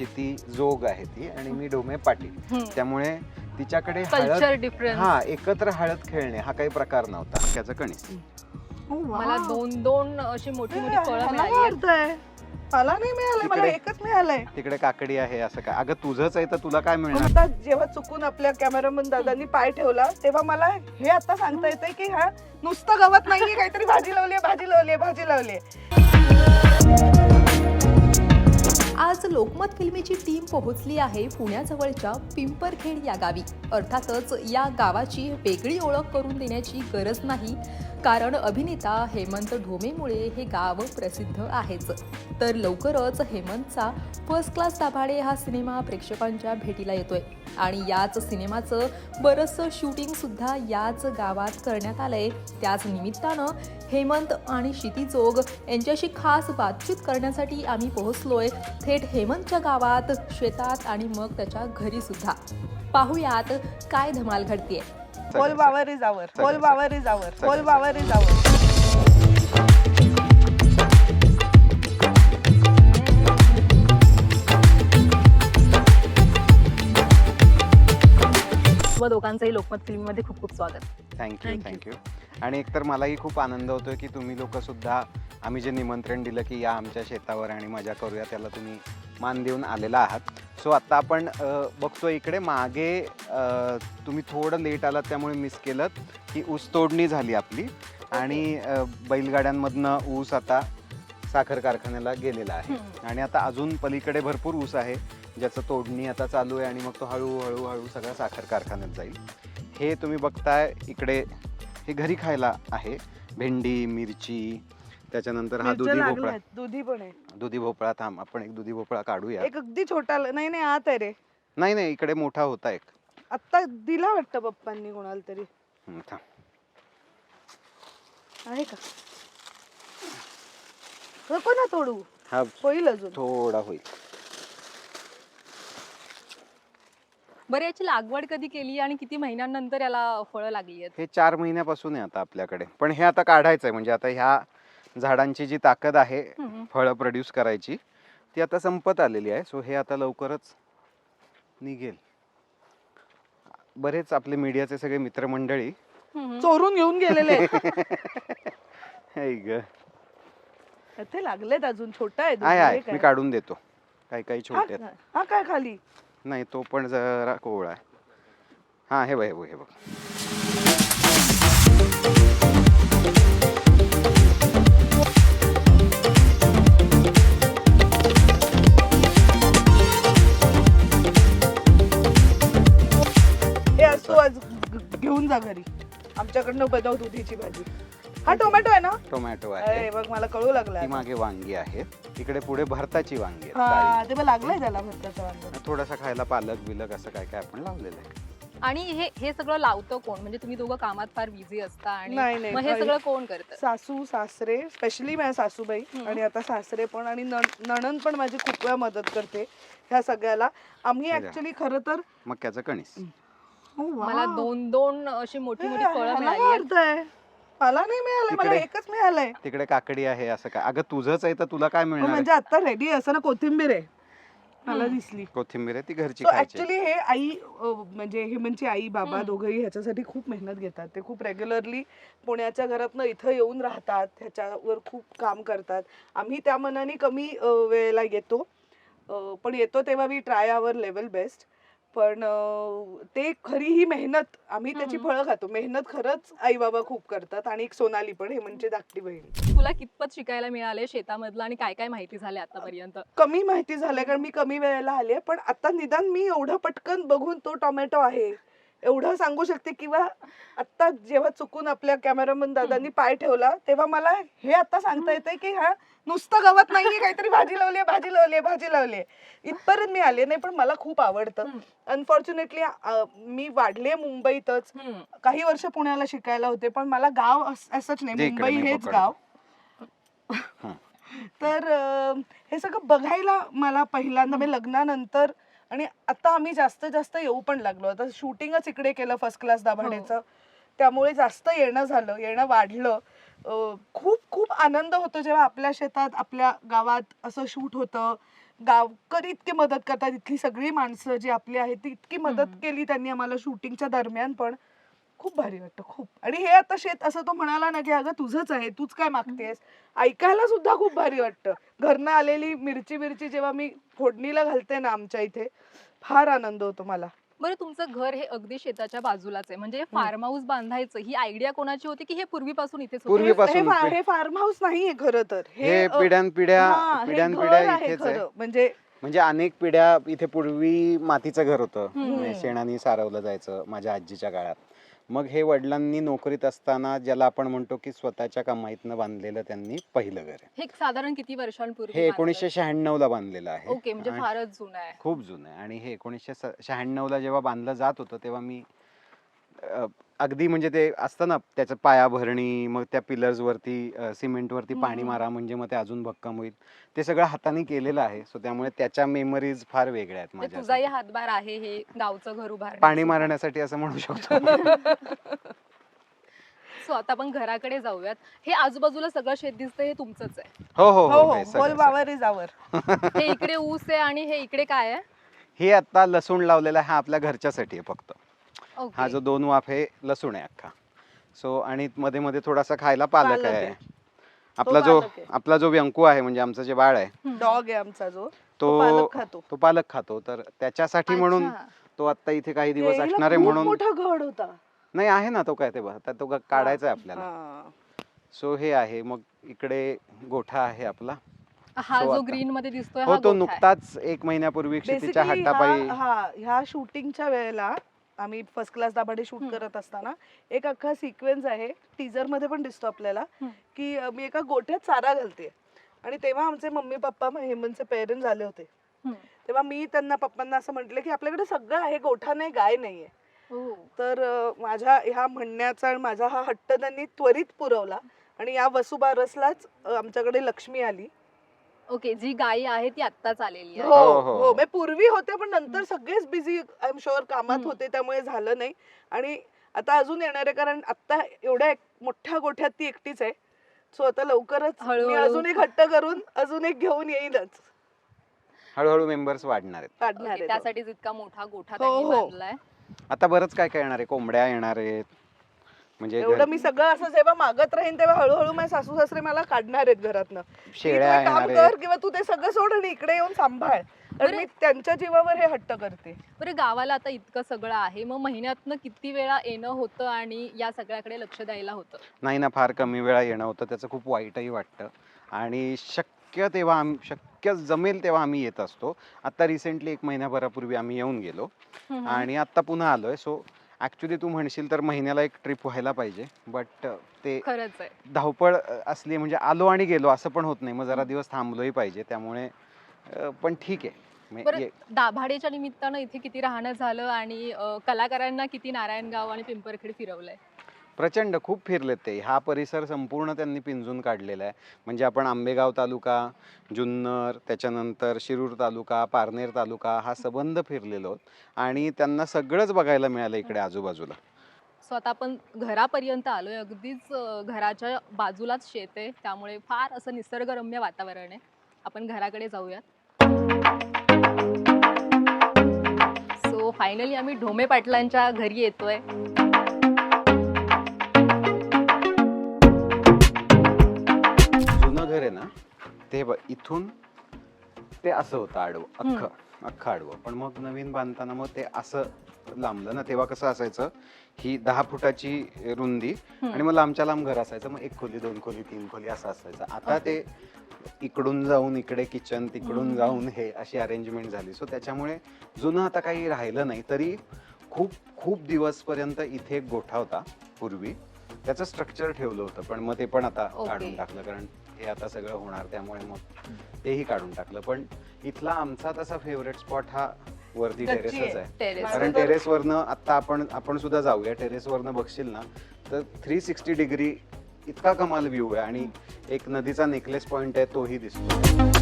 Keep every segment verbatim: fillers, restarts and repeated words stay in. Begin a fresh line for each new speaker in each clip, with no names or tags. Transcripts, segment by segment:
क्षिती जोग आहे ती आणि मी डोमे पाटील, त्यामुळे तिच्याकडे
कल्चर
हळद
डिफरन्स.
हा एकत्र हळद खेळणे हा काही प्रकार नव्हता. त्याचं कणीस
मला दोन दोन अशी मोठी मोठी फळं
मला
मिळाली आहेत.
वाटतंय. मला नाही मिळालं, मला
तिकडे-
एकच मिळालंय.
तिकडे काकडी आहे असं काय? अगं तुझंच आहे तर तुला काय मिळणार?
आता जेव्हा चुकून आपल्या कॅमेरामन दादांनी पाय ठेवला तेव्हा मला हे आता सांगता येतंय की हा नुसतं गवत नाहीये, काहीतरी भाजी लावली भाजी लावली भाजी लावली.
आज लोकमत फिल्मीची टीम पोहोचली आहे पुण्याजवळच्या पिंपरखेड या गावी. अर्थातच या गावाची वेगळी ओळख करून देण्याची गरज नाही, कारण अभिनेता हेमंत ढोमेमुळे हे गाव प्रसिद्ध आहेच. तर लवकरच हेमंतचा फर्स्ट क्लास दाभाडे हा सिनेमा प्रेक्षकांच्या भेटीला येतोय आणि याच सिनेमाचं बरंचसं शूटिंग सुद्धा याच गावात करण्यात आलंय. त्याच निमित्तानं हेमंत आणि क्षिती जोग यांच्याशी खास बातचीत करण्यासाठी आम्ही पोहोचलोय थेट हेमंतच्या गावात, शेतात आणि मग त्याच्या घरी सुद्धा. पाहुयात काय धमाल घडतीये.
होल वावर इज आवर, होल वावर इज आवर,
सगळं-
होल वावर इज आवर.
व दोघांचंही लोकमत फिल्ममध्ये खूप खूप स्वागत.
Thank you
Thank you.
थँक्यू. आणि एकतर मलाही खूप आनंद होतोय की तुम्ही लोक सुद्धा आम्ही जे निमंत्रण दिलं की या आमच्या शेतावर आणि मजा करूया त्याला तुम्ही मान देऊन आलेला आहात. सो आता आपण अ, बघतो इकडे मागे अ, तुम्ही थोडं लेट आलात त्यामुळे मिस केलं की ऊस तोडणी झाली आपली आणि अ, बैलगाड्यांमधनं ऊस आता साखर कारखान्याला गेलेला आहे आणि आता अजून पलीकडे भरपूर ऊस आहे ज्याचं तोडणी आता चालू आहे आणि मग तो हळूहळू हळू सगळा साखर कारखान्यात जाईल. हे तुम्ही बघताय इकडे हे घरी खायला आहे, भेंडी, मिरची, त्याच्यानंतर हा दुधी
मिरच्या
भोपळा.
लागल्यात, दुधी पण आहे.
दुधी भोपळा थांब आपण एक दुधी भोपळा काढूया.
एक अगदी छोटा ल- नाही नाही आत आहे रे.
नाही नाही इकडे मोठा होता एक.
आता दिला वाटतं पप्पांनी कोणाला तरी.
हं, थांब.
आहे का? नको ना तोडू,
हा
होईल अजून.
थोडा होईल.
बरं, याची लागवड कधी केली आणि किती महिन्यांनंतर याला फळं लागली आहेत?
हे चार महिन्यापासून आहे आता आपल्याकडे, पण हे आता काढायचं आहे. म्हणजे आता ह्या झाडांची जी ताकद आहे
हम्म.
फळं प्रोड्यूस करायची ती आता संपत आलेली आहे. सो हे आता लवकरच निघेल. बरेच आपले मीडियाचे सगळे मित्रमंडळी
हम्म.
चोरून घेऊन गेलेले आहेत.
हे ग
इथे लागलेत अजून, छोटा आहे दुधी,
आहे
हे
आहे
काय?
मी काढून देतो. काही काही
हा
छोटे आहेत.
हा काय खाली?
नाही तो पण जरा कोवळा आहे. हा हे बघ हे बघ हे बघ.
हे असतो आज ग- घेऊन जा घरी. आमच्याकडनं बनव दुधीची भाजी. हा टोमॅटो आहे ना?
टोमॅटो आहे.
अरे बघ मला कळू लागला.
ती मागे वांगी आहेत. इकडे पुढे भरताची वांगी आहेत.
हा
काळी.
ते बघ लागलंय त्याला भरताचा वांगा.
थोडासा खायला पालक बिलक असं काय काय आपण लावलेलं आहे.
आणि हे हे सगळं लावतं कोण? म्हणजे तुम्ही दोघं कामात फार बिझी असता आणि
नाही, नाही,
मग हे
काही-
सगळं कोण करतं?
सासू सासरे, स्पेशली माझ्या सासूबाई
हम्म.
आणि आता सासरे पण आणि नण- नणंद पण माझी खूप वेळा मदत करते ह्या सगळ्याला. आम्ही
हे द्या.
ऍक्च्युली खरं तर
मक्याचं कणीस.
मला दोन दोन अशी मोठी मोठी फळं
मला
मिळाली आहेत.
वाटतंय. मला नाही मिळालं, मला
तिकडे-
एकच मिळालंय.
तिकडे काकडी आहे असं काय? अगं तुझंच आहे तर तुला काय
हो,
मिळणार आहे?
म्हणजे आता रेडी असं ना कोथिंबीर आहे मला दिसली.
कोथिंबीर आहे ती घरची
सो
खायची.
ऍक्च्युली हे आई अ, म्हणजे हेमंतची आई बाबा
हम्म.
दोघंही ह्याच्यासाठी खूप मेहनत घेतात. ते खूप रेग्युलरली पुण्याच्या घरातनं इथं येऊन राहतात, ह्याच्यावर खूप काम करतात. आम्ही त्या मनाने कमी अ, वेळेला येतो, अ, पण येतो तेव्हा we try our level best. पण अ, ते खरी ही मेहनत, आम्ही त्याची
हम्म.
फळं खातो. मेहनत खरंच आई बाबा खूप करतात. आणि एक सोनाली पण, हेमंतची धाकटी बहीण.
तुला कितपत शिकायला मिळाले शेतामधलं आणि काय काय माहिती झाली आतापर्यंत?
कमी माहिती झालंय कारण मी कमी वेळेला आले, पण आता निदान मी एवढं पटकन बघून तो टोमॅटो आहे एवढं सांगू शकते. किंवा आता जेव्हा चुकून आपल्या कॅमेरामन दादांनी पाय ठेवला तेव्हा मला हे आता सांगता येतंय की हा नुसतं गवत नाहीये, काहीतरी भाजी लावली भाजी लावली भाजी लावली. इथपर्यंत मी आले नाही, पण मला खूप आवडतं.
हम्म.
अनफॉर्च्युनेटली मी वाढले मुंबईतच,
हम्म.
काही वर्ष पुण्याला शिकायला होते, पण मला गाव अस- असंच नाही,
जे इकडे
मुंबई
मी
हेच
पकडतो.
गाव.
हं.
तर अं, हे सगळं बघायला मला पहिल्यांदा म्हणजे लग्नानंतर, आणि आता आम्ही जास्त जास्त येऊ पण लागलो. आता शूटिंगच इकडे केलं फर्स्ट क्लास दाभाडेचं, त्यामुळे जास्त येणं झालं, येणं वाढलं. अं, खूप खूप आनंद होतो जेव्हा आपल्या शेतात आपल्या गावात असं शूट होतं. गावकरी इतकी मदत करतात, इथली सगळी माणसं जी आपली आहेत ती इतकी मदत केली त्यांनी आम्हाला शूटिंगच्या दरम्यान पण. खूप भारी वाटतं खूप. आणि हे आता शेत असं तो म्हणाला ना की अगं तुझंच आहे, तूच काय मागतेस, ऐकायला सुद्धा खूप भारी वाटतं. घरनं आलेली मिरची मिरची जेव्हा मी फोडणीला घालते ना आमच्या इथे, फार आनंद होतो मला.
बरं, तुमचं घर हे अगदी शेताच्या बाजूलाच आहे, म्हणजे फार्म हाऊस बांधायचं ही आयडिया कोणाची होती की हे पूर्वीपासून इथेच होतं?
पूर्वी-
हे
पूर्वीपासून
फा- हे फार्म हाऊस नाहीये खरं तर,
हे
अ,
पिढ्यानपिढ्या
हा, हे
पिढ्यानपिढ्या
घर आहे
इथेच आहे.
खरं. म्हणजे
म्हणजे अनेक पिढ्या इथे पूर्वी मातीचं घर होतं,
हम्म.
म्हणजे शेणाने सारवलं जायचं माझ्या आजीच्या काळात. मग हे वडिलांनी नोकरीत असताना ज्याला आपण म्हणतो की स्वतःच्या कमाईतनं बांधलेलं त्यांनी पहिलं घर आहे.
हे साधारण किती वर्षांपूर्वी
हे
बांधलं?
एकोणीसशे शहाण्णव ला बांधलेलं आहे.
ओके, म्हणजे
आणि
फारच जुनं आहे.
खूप जुनं आहे. आणि हे एकोणीसशे शहाण्णव ला जेव्हा बांधलं जात होतं तेव्हा मी अ, अगदी म्हणजे ते असतं ना त्याचं पाया भरणी, मग त्या पिलर्स वरती सिमेंट वरती पाणी
हम्म.
मारा म्हणजे मग ते अजून भक्कम होईल, ते सगळं हाताने केलेलं आहे. सो त्यामुळे त्याच्या मेमरीज फार वेगळ्या आहेत
म्हणजे
माझ्या.
तुझाही हातभार आहे हे गावचं घर उभारण्यात
पाणी
सुद्धा.
मारण्यासाठी असं म्हणू शकतो.
सो आता आपण घराकडे जाऊयात. हे आजूबाजूला सगळं शेत दिसतंय, हे तुमचंच आहे?
हो हो
हो
हो
हो
हे
होल
सगळं-
वावर इज आवर.
हे इकडे ऊस आहे आणि हे इकडे काय आहे?
हे आता लसूण लावलेला आहे, हा आपल्या घरच्यासाठी आहे फक्त. हा
ओके.
जो दोन वाफ आहे लसूण आहे अख्खा. सो आणि मध्ये मध्ये थोडासा खायला पालक
पालक
आहे.
आहे.
आपला जो
पालक आहे.
आपला जो व्यंकू आहे म्हणजे आमचं जे बाळ आहे
हम्म.
डॉग आहे आमचा जो, तो
तो
पालक खातो.
तो पालक खातो, तर त्याच्यासाठी म्हणून
अच्छा.
तो आता इथे काही दिवस
यायला
असणार आहे
खूप
म्हणून.
मोठा घड होता.
नाही आहे ना तो, काय ते बघ, आता तो ग- काढायचा आहे आपल्याला.
हा.
सो हे आहे. मग इकडे गोठा आहे आपला.
हा
So
जो
आता-
ग्रीन मध्ये दिसतोय
हो
हा
तो
गोठा आहे.
नुकताच एक महिन्यापूर्वी क्षितिच्या
Basically
हट्टापायी.
हा हा, ह्या शूटिंगच्या वेळेला आम्ही फर्स्ट क्लास दाभाडे शूट
हम्म.
करत असताना एक अख्खा सिक्वेन्स आहे, टीजर मध्ये पण दिसतो आपल्याला,
हम्म.
की अ, मी एका गोठ्यात चारा घालते आणि तेव्हा आमचे मम्मी पप्पा हेमंतचे पेरेंट्स आले होते.
हम्म.
तेव्हा मी त्यांना पप्पांना असं म्हटलं की आपल्याकडे सगळं आहे, गोठा नाही, गाय नाहीये.
हो.
तर अ, माझ्या ह्या म्हणण्याचा आणि माझा हा हट्ट त्यांनी त्वरित पुरवला आणि या वसुबारसलाच अ, आमच्याकडे लक्ष्मी आली.
ओके, जी गायी आहे ती आत्ताच आलेली आहे.
हो
हो, हो,
हो
हो.
मी पूर्वी होते पण नंतर सगळेच बिझी आय एम शुअर कामात
हम्म.
होते, त्यामुळे झालं नाही. आणि आता अजून येणार आहे, कारण आता एवढ्या एक मोठ्या गोठ्यात ती एकटीच आहे. सो आता लवकरच मी
हळूहळू.
अजून एक हट्ट करून अजून एक घेऊन येईलच,
हळूहळू मेंबर्स वाढणार आहेत.
काढणार
ओके,
आहे तो.
त्यासाठीच इतका मोठा गोठा
हो,
त्यांनी
हो.
बांधलाय.
आता बरंच काय काय येणार आहे, कोंबड्या येणार आहेत. म्हणजे
एवढं
घर-
मी सगळं असं जेव्हा मागत राहीन तेव्हा हळूहळू माझे सासू सासरे मला काढणार आहेत घरातनं, की तू
शेळ्या
एक काम
येणार
कर
आहेत.
किंवा तू ते सगळं सोड आणि इकडे येऊन सांभाळ. तर
बरं.
मी त्यांच्या जीवावर हे हट्ट करते.
बरं, गावाला आता इतकं सगळं आहे, मग महिन्यातनं किती वेळा येणं होतं आणि या सगळ्याकडे लक्ष द्यायला होतं?
नाही ना, फार कमी वेळा येणं होतं, त्याचं खूप वाईटही वाटतं. आणि शक्य तेव्हा आम शक्य जमेल तेव्हा आम्ही येत असतो. आता रिसेंटली एक महिन्याभरापूर्वी आम्ही येऊन गेलो
हम्म.
आणि आत्ता पुन्हा आलोय. सो ॲक्च्युली तू म्हणशील तर महिन्याला एक ट्रिप व्हायला पाहिजे, बट ते
खरंच आहे.
धावपळ अ, असली म्हणजे आलो आणि गेलो असं पण होत नाही. मग जरा दिवस थांबलोही पाहिजे, त्यामुळे अ, पण ठीक आहे. मे-
बरं,
ये-
दाभाडेच्या निमित्तानं इथे किती राहणं झालं आणि अ, कलाकारांना किती नारायणगाव आणि पिंपरखेड फिरवलंय?
प्रचंड खूप फिरलेत ते. हा परिसर संपूर्ण त्यांनी पिंजून काढलेला आहे. म्हणजे आपण आंबेगाव तालुका, जुन्नर, त्याच्यानंतर शिरूर तालुका, पारनेर तालुका हा संबंध फिरलेलो आहोत आणि त्यांना सगळंच बघायला मिळालं इकडे आजूबाजूला.
सो आता आपण घरापर्यंत आलोय, अगदीच अ, घराच्या बाजूलाच शेत आहे, त्यामुळे फार असं निसर्गरम्य वातावरण आहे. आपण घराकडे जाऊयात. सो फायनली आम्ही ढोमे पाटलांच्या घरी येतोय.
जुनं घर आहे ना ते बघ, इथून ते असं होतं आडवं, अख्खं अख्खं आडवं. पण मग नवीन बांधताना मग ते असं लांबलं ना. तेव्हा कसं असायचं, ही दहा फुटाची रुंदी आणि मग लांबच्या लांब घर असायचं. मग एक खोली, दोन खोली, तीन खोली असं असायचं. आता ते इकडून जाऊन इकडे किचन, तिकडून जाऊन हे अशी अरेंजमेंट झाली. सो त्याच्यामुळे जुनं आता काही राहिलं नाही. तरी खूप खूप दिवसपर्यंत इथे एक गोठा होता पूर्वी, त्याचं स्ट्रक्चर ठेवलं होतं, पण मग ते पण आता
ओके.
काढून टाकलं, कारण हे आता सगळं होणार, त्यामुळे मग तेही काढून टाकलं. पण इथला आमचा तसा फेवरेट स्पॉट हा वरती
गच्ची
टेरेसच
आहे.
आहे.
टेरेस.
माझं
कारण
तर-
टेरेसवरनं आता आपण आपण सुद्धा जाऊया. टेरेसवरनं बघशील ना तर थ्री सिक्स्टी डिग्री इतका कमाल व्ह्यू आहे आणि एक नदीचा नेकलेस पॉइंट आहे तोही दिसतो.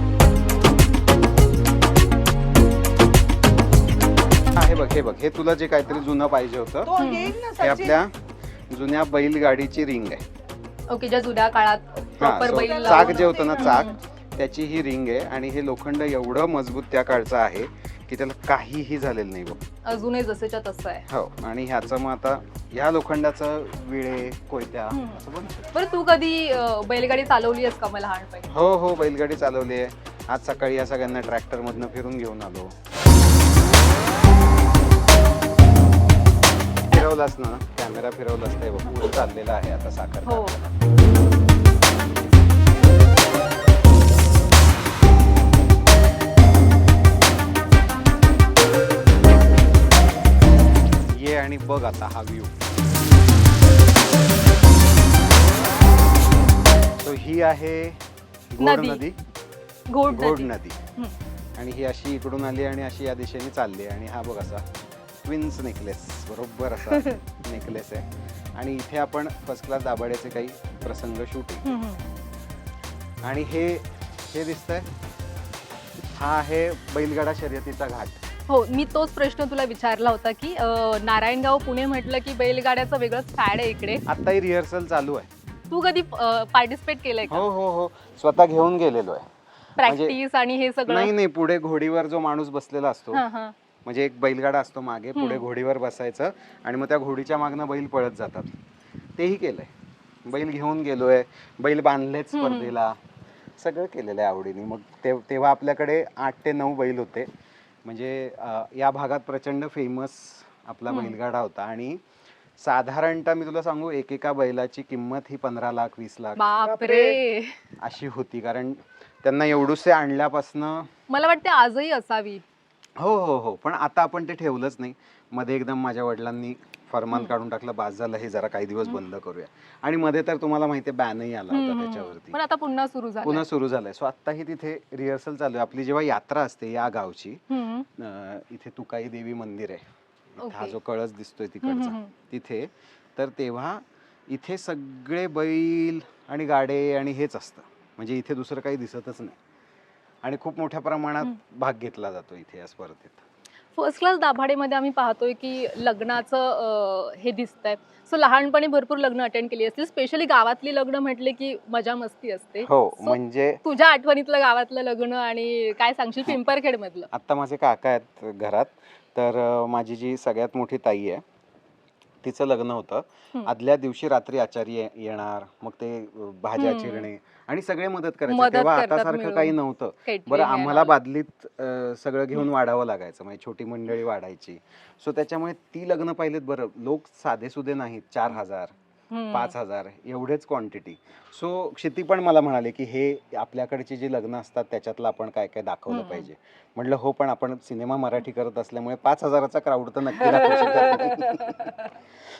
हा, हे बघ हे बघ हे तुला जे काहीतरी जुनं पाहिजे होतं,
तो येईल ना
हे
सचिन.
आपल्या जुन्या बैलगाडीची रिंग आहे.
ओके, ज्या जुन्या काळात
हा,
प्रॉपर
so
बैल
चाक
लावून-
जे होतं ना, चाक त्याची ही रिंग आहे आणि हे लोखंड एवढं मजबूत त्या काळचं आहे की त्याला काहीही झालेलं नाही बघ.
अजूनही जसेच्या तसं आहे.
हो, आणि ह्याचं मग आता ह्या लोखंडाचं विळे कोयत्या
हम्म.
असं बनवू शकतो.
बरं तू कधी अं, बैलगाडी चालवली आहेस का मला लहानपणी?
हो हो, बैलगाडी चालवली आहे. आज सकाळी या सगळ्यांना ट्रॅक्टर मधनं फिरून घेऊन आलो. फिरवलास ना, कॅमेरा फिरवलास ते बघ पुढे चाललेला आहे आता साखर.
हो.
ये आणि बघ आता हा व्ह्यू. तो ही आहे घोड
नदी.
नदी,
घोड
घोड
नदी.
नदी.
हम्म.
आणि ही अशी इकडून आली आणि अशी या दिशेने चालली आणि हा बघ असा ट्विन्स नेकलेस, बरोबर असा नेकलेस आहे. आणि इथे आपण फर्स्ट क्लास दाभाड्याचे काही प्रसंग शूटिंग.
हम्म, हम्म.
आणि हे हे दिसतंय, हा आहे बैलगाडा शर्यतीचा घाट.
हो, मी तोच प्रश्न तुला विचारला होता की अं, नारायणगाव पुणे म्हटलं की बैलगाड्याचं वेगळंच फॅड आहे इकडे.
आत्ताही रिहर्सल चालू आहे.
तू कधी पार्टिसिपेट केलंय का?
हो हो हो, स्वतः घेऊन गेलेलो आहे.
प्रॅक्टिस आणि हे
नाही
सगळं?
नाही, पुढे घोडीवर जो माणूस बसलेला असतो,
हा, हा.
म्हणजे एक बैलगाडा असतो मागे, पुढे
हम्म.
घोडीवर बसायचं आणि मग त्या घोडीच्या मागनं बैल पळत जातात. तेही केलंय. बैल घेऊन गेलोय, बैल बांधलेच
हम्म.
स्पर्धेला, सगळं केलेलं आहे आवडीने. मग ते तेव्हा आपल्याकडे आठ ते नऊ बैल होते. म्हणजे अं, या भागात प्रचंड फेमस आपला
हम्म.
बैलगाडा होता. आणि साधारणतः मी तुला सांगू, एकेका बैलाची किंमत ही पंधरा लाख वीस लाख
बापरे.
अशी होती. कारण त्यांना एवढूसे आणल्यापासनं.
मला वाटते आजही असावी.
हो हो हो, पण आता आपण ते ठेवलंच नाही. मध्ये एकदम माझ्या वडिलांनी फरमान काढून टाकलं, बास झालं हे, जरा काही दिवस बंद करूया. आणि मध्ये तर तुम्हाला माहितीये बॅनही आला होता
हम्म.
त्याच्यावरती.
पण आता पुन्हा सुरू झालं.
पुन्हा सुरू झालंय. सो आत्ताही तिथे रिहर्सल चालू आहे. आपली जेव्हा यात्रा असते या गावची, अं, इथे तुकाई देवी मंदिर आहे, इथं हा
ओके.
जो कळस दिसतोय
हम्म,
तिकडचा,
हम्म.
तिथे तर तेव्हा इथे सगळे बैल आणि गाडे आणि हेच असतं. म्हणजे इथे दुसरं काही दिसतच नाही. आणि खूप मोठ्या प्रमाणात भाग घेतला जातो इथे या स्पर्धेत.
फर्स्ट क्लास दाभाडेमध्ये आम्ही पाहतोय की लग्नाचं अं, हे दिसतंय. सो लहानपणी भरपूर लग्न अटेंड केली असतील, स्पेशली गावातली लग्न म्हटले की मजा मस्ती असते.
हो,
So,
म्हणजे
तुझ्या आठवणीतलं गावातलं लग्न आणि काय सांगशील पिंपरखेड मधलं?
आत्ता माझे काका आहेत घरात, तर अं, माझी जी सगळ्यात मोठी ताई आहे तिचं लग्न होतं.
हम्म.
आदल्या दिवशी रात्री आचारी ये- येणार, मग ते अं, भाज्या
हम्म.
चिरणे आणि सगळे मदत करायचे.
मदत
तेव्हा
करतात
आता सारखं
मिळून.
काही नव्हतं.
Catering
बरं,
and
आम्हाला
all.
बादलीत अं, सगळं घेऊन वाढावं लागायचं, म्हणजे छोटी मंडळी वाढायची. सो त्याच्यामुळे ती लग्न पाहिलेत. बरं, लोक साधे सुधे नाहीत, चार हजार
हम्म.
पाच हजार एवढेच क्वांटिटी. सो क्षिती पण मला म्हणाले की हे आपल्याकडची जी लग्न असतात त्याच्यातलं आपण काय काय दाखवलं
हम्म.
पाहिजे. म्हटलं हो, पण आपण सिनेमा मराठी करत असल्यामुळे पाच हजाराचा क्राऊड तर नक्की दाखवू शकत.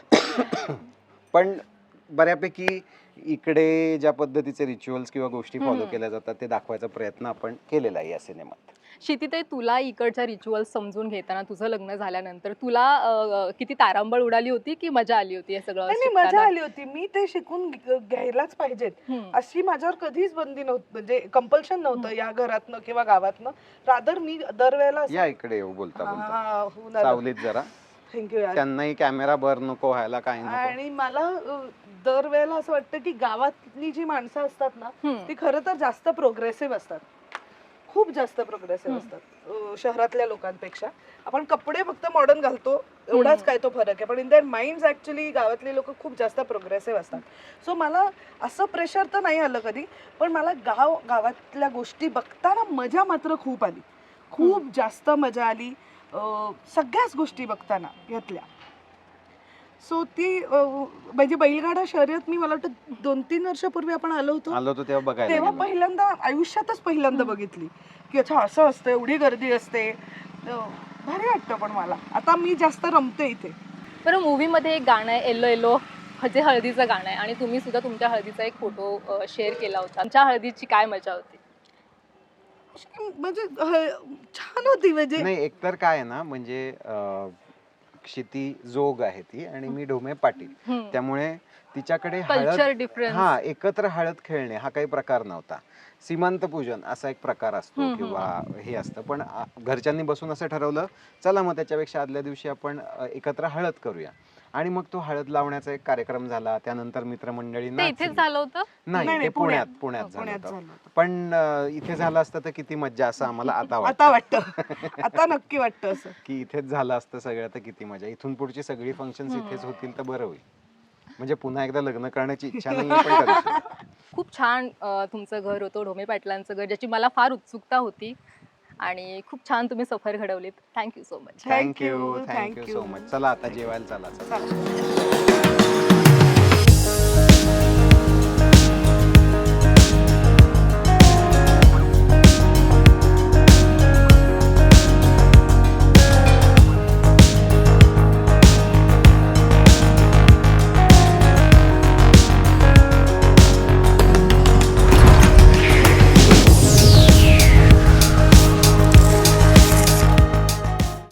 पण बऱ्यापैकी इकडे ज्या पद्धतीचे रिच्युअल्स किंवा गोष्टी फॉलो
हम्म.
केल्या जातात ते दाखवायचा प्रयत्न आपण केलेला आहे या सिनेमात.
क्षितिताई, तुला इकडच्या रिच्युअल्स समजून घेताना तुझं लग्न झाल्यानंतर तुला अं, किती तारांबळ उडाली होती की मजा आली होती हे सगळं
नाही नाही, मजा
शिकताना?
आली होती. मी ते शिकून घ- घ्यायलाच पाहिजेत
हम्म.
अशी माझ्यावर कधीच बंदी नव्हती, म्हणजे कंपल्शन नव्हतं या घरातनं किंवा गावातनं. रादर मी दरवेळेला
या इकडे येऊ बोलता बोलता सावलीत जरा.
थँक्यू यार.
त्यांनाही कॅमेरा बर नको व्हायला, काय नको.
आणि मला अ, दरवेळेला असं वाटतं की गावातली जी माणसं असतात ना
हम्म.
ती खरं तर जास्त प्रोग्रेसिव्ह असतात, खूप जास्त प्रोग्रेसिव्ह
हम्म.
असतात अ, शहरातल्या लोकांपेक्षा. आपण कपडे फक्त मॉडर्न घालतो एवढाच
हम्म.
काय तो फरक आहे, पण इन दॅट माइंड ऍक्च्युली गावातली लोक खूप जास्त प्रोग्रेसिव्ह असतात. सो मला असं प्रेशर तर नाही आलं कधी, पण मला गाव गावातल्या गोष्टी बघताना मजा मात्र खूप आली, खूप जास्त मजा आली अ, सगळ्याच गोष्टी बघताना यातल्या. सो ती अ, म्हणजे बैलगाडा शर्यत मी मला वाटतं दोन तीन वर्षापूर्वी आपण आलो होतो
आलो होतो तेव्हा बघायला
तेव्हा
गेलो.
पहिल्यांदा आयुष्यातच पहिल्यांदा बघितली की अच्छा असं असतं, एवढी गर्दी असते. अं, भारी वाटतं. पण मला आता मी जास्त रमते इथे.
बरं, मूवीमध्ये एक गाणं आहे येलो येलो, जे हळदीचं गाणं आहे, आणि तुम्ही सुद्धा तुमच्या हळदीचा एक फोटो शेअर केला होता. तुमच्या हळदीची काय मजा होती?
म्हणजे ह- छान होती. म्हणजे
नाही, एकतर काय आहे ना, म्हणजे अं, क्षिती जोग आहे ती आणि मी ढोमे पाटील,
हम्म.
त्यामुळे तिच्याकडे
कल्चर
हळद,
डिफरन्स.
हा, एकत्र हळद खेळणे हा काही प्रकार नव्हता. सीमांत पूजन असा एक प्रकार असतो
हम्म,
किंवा हे असतं, पण आ, घरच्यांनी बसून असं ठरवलं, चला मग त्याच्यापेक्षा आदल्या दिवशी आपण अ, एकत्र हळद करूया. आणि मग तो हळद लावण्याचा एक कार्यक्रम झाला, त्यानंतर मित्रमंडळी
ते इथेच
नाचली.
झालं होतं.
नाही
नाही,
ते
नाही,
पुण्यात
पुण्यात.
पुण्यात
हो,
झालं
पुण्यात
होतं.
झालं होतं.
पण अं, इथे झालं असतं तर किती मज्जा असं आम्हाला आता
आता
वाटतं
वाटतं आता नक्की वाटतं असं.
की इथेच झालं असतं सगळं तर किती मजा. इथून पुढची सगळी फंक्शन्स
हम्म.
इथेच होतील तर बरं होईल. म्हणजे पुन्हा एकदा लग्न करण्याची इच्छा नाही पण करू शकतो.
खूप छान अ, तुमचं घर होतं, ढोमे पाटलांचं घर, ज्याची मला फार उत्सुकता होती आणि खूप छान तुम्ही सफर घडवलीत. Thank you so much.
Thank
thank you
you,
thank you
thank
so
you.
Much. चला आता जेवायला चला चला.
चला.